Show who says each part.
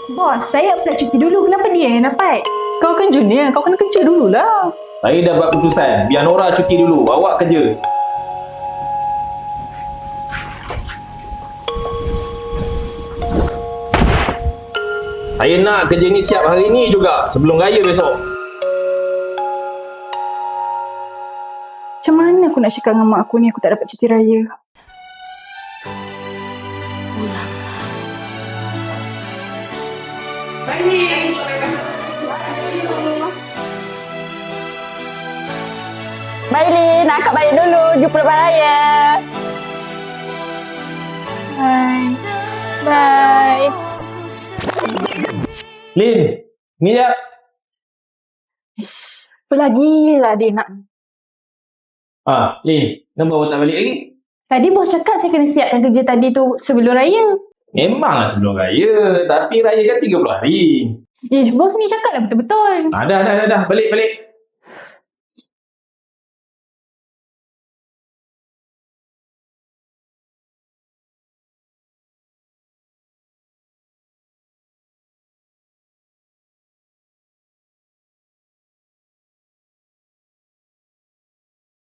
Speaker 1: Bos, saya apply cuti dulu. Kenapa dia yang dapat?
Speaker 2: Kau kan junior, kau kena kerja dululah.
Speaker 3: Saya dah buat keputusan. Biar Nora cuti dulu. Awak kerja. Saya nak kerja ni siap hari ni juga. Sebelum raya besok.
Speaker 1: Macam mana aku nak cakap dengan mak aku ni aku tak dapat cuti raya?
Speaker 2: Bye Lin, akak balik dulu. Jumpa lepas raya.
Speaker 1: Bye. Bye.
Speaker 3: Lin, ni jap.
Speaker 1: Apa lagi lah dia nak?
Speaker 3: Lin, kenapa awak tak balik lagi?
Speaker 1: Tadi bos cakap saya kena siapkan kerja tadi tu sebelum raya.
Speaker 3: Memanglah sebelum raya. Tapi raya kan 30 hari.
Speaker 1: Bos ni cakap lah betul-betul.
Speaker 3: Dah. Balik.